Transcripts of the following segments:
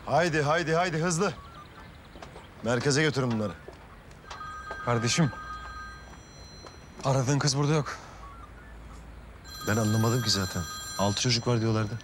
Haydi haydi haydi hızlı. Merkeze götürün bunları. Kardeşim. Aradığın kız burada yok. Ben anlamadım ki zaten. 6 çocuk var diyorlardı.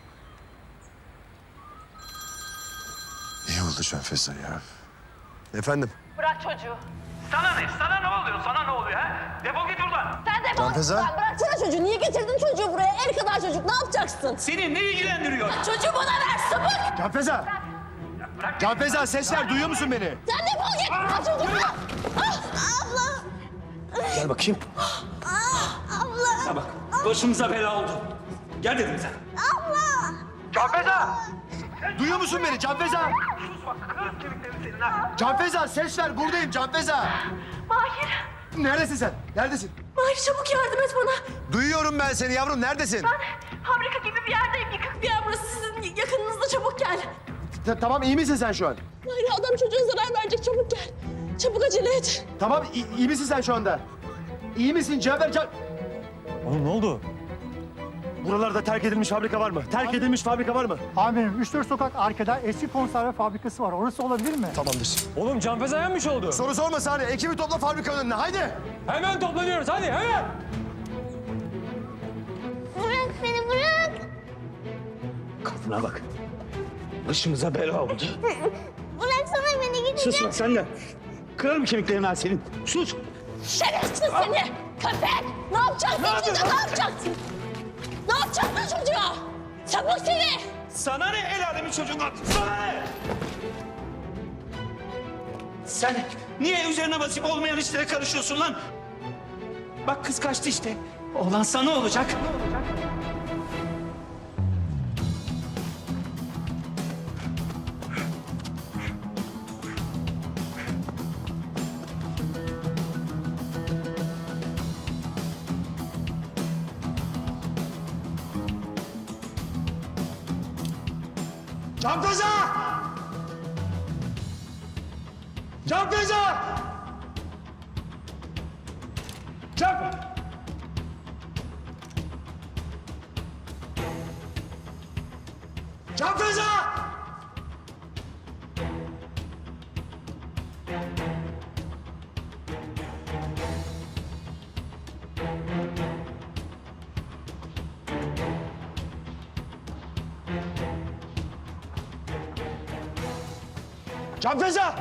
İyi oldu Canfeza ya. Efendim? Bırak çocuğu. Sana ne? Sana ne oluyor? Sana ne oluyor ha? Defol git buradan. Sen defol. Canfeza? Sen bıraksana çocuğu. Niye getirdin çocuğu buraya? El kadar çocuk. Ne yapacaksın? Seni ne ilgilendiriyor? Çocuğu bana ver sapık. Canfeza! Canfeza ses ver, duyuyor musun beni? Sen defol git. Al çocuğu. Ah, abla. Gel bakayım. Abla. Ha bak, başımıza bela oldu. Gel dedim sen. Abla. Canfeza! Duyuyor musun beni Canfeza? Sus bak, kırarım kemiklerini senin ha. Canfeza ses ver, buradayım Canfeza. Mahir. Neredesin sen? Neredesin? Mahir çabuk yardım et bana. Duyuyorum ben seni yavrum, neredesin? Fabrika gibi bir yerdeyim. Yıkık bir yer burası. Sizin yakınınızda, çabuk gel. Tamam, iyi misin sen şu an? Mahir adam çocuğa zarar verecek. Çabuk gel. Çabuk acele et. Tamam, iyi misin sen şu anda? İyi misin Cafer? Oğlum ne oldu? Buralarda terk edilmiş fabrika var mı? Terk edilmiş fabrika var mı? Amirim 3-4 sokak arkada eski konserve fabrikası var. Orası olabilir mi? Tamamdır. Oğlum Canfeza yenmiş oldu. Soru sorma Sani. Ekibi topla fabrikanın önüne. Haydi. Hemen toplanıyoruz hadi hemen. Bırak beni bırak. Kadına bak. Başımıza bela oldu. Bıraksana beni gideceğim. Sus bak sen de. Kırarım kemiklerini ha senin. Sus. Şerefsiz seni. Köpek. Ne yapacaksın? Çocuğa ne yapacaksın? Ne yapacaksın çocuğa? Sapık seni. Sana ne el alemin çocuğundan? Sana ne? Sen niye üzerine basıp olmayan işlere karışıyorsun lan? Bak kız kaçtı işte. Olan sana olacak. Canfeza! Canfeza! Canfeza! Canfeza!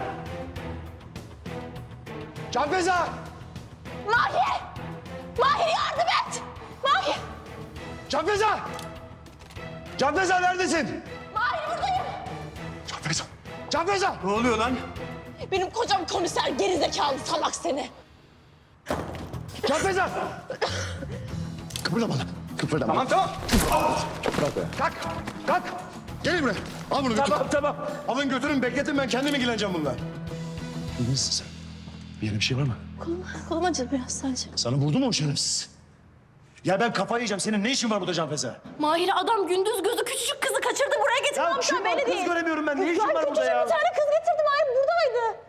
Canfeza! Mahir. Mahir yardım et. Mahir. Canfeza! Canfeza neredesin? Mahir buradayım. Canfeza! Canfeza! Ne oluyor lan? Benim kocam komiser gerizekalı salak seni. Canfeza! Kıpırdama lan. Kıpırdama. Tamam. Kalk! Kalk! Gelin buraya. Al bunu götür. Tamam. Alın götürün, bekletin, ben kendim ilgileneceğim bununla. İyi misin sen? Bir yerine bir şey var mı? Kolum acıdı biraz sadece. Sana vurdu mu o şerefsiz? Ya ben kafayı yiyeceğim. Senin ne işin var burada Canfeza? Mahir adam gündüz gözü küçücük kızı kaçırdı buraya getirdi. Ya Komiser kim var? belli Kız değil. göremiyorum ben. Ne işin Lan var burada küçücük ya? bir tane kız getirdi Mahir buradaydı.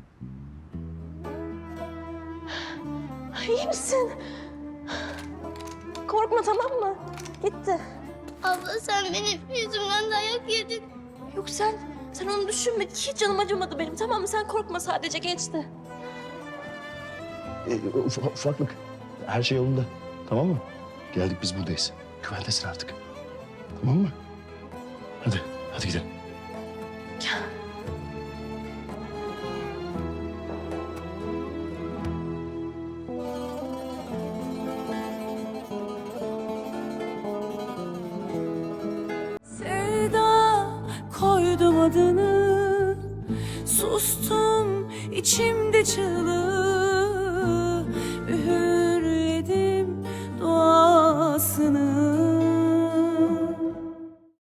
İyi misin? Korkma tamam mı? Gitti. Abla sen benim yüzümden dayak yedin. Yok sen onu düşünme. Hiç canım acımadı benim tamam mı? Sen korkma sadece geçti. Ufaklık. Her şey yolunda. Tamam mı? Geldik biz buradayız. Güvendesin artık. Tamam mı? Hadi gidelim. Sevda koydum adını, sustum içimde çığlık.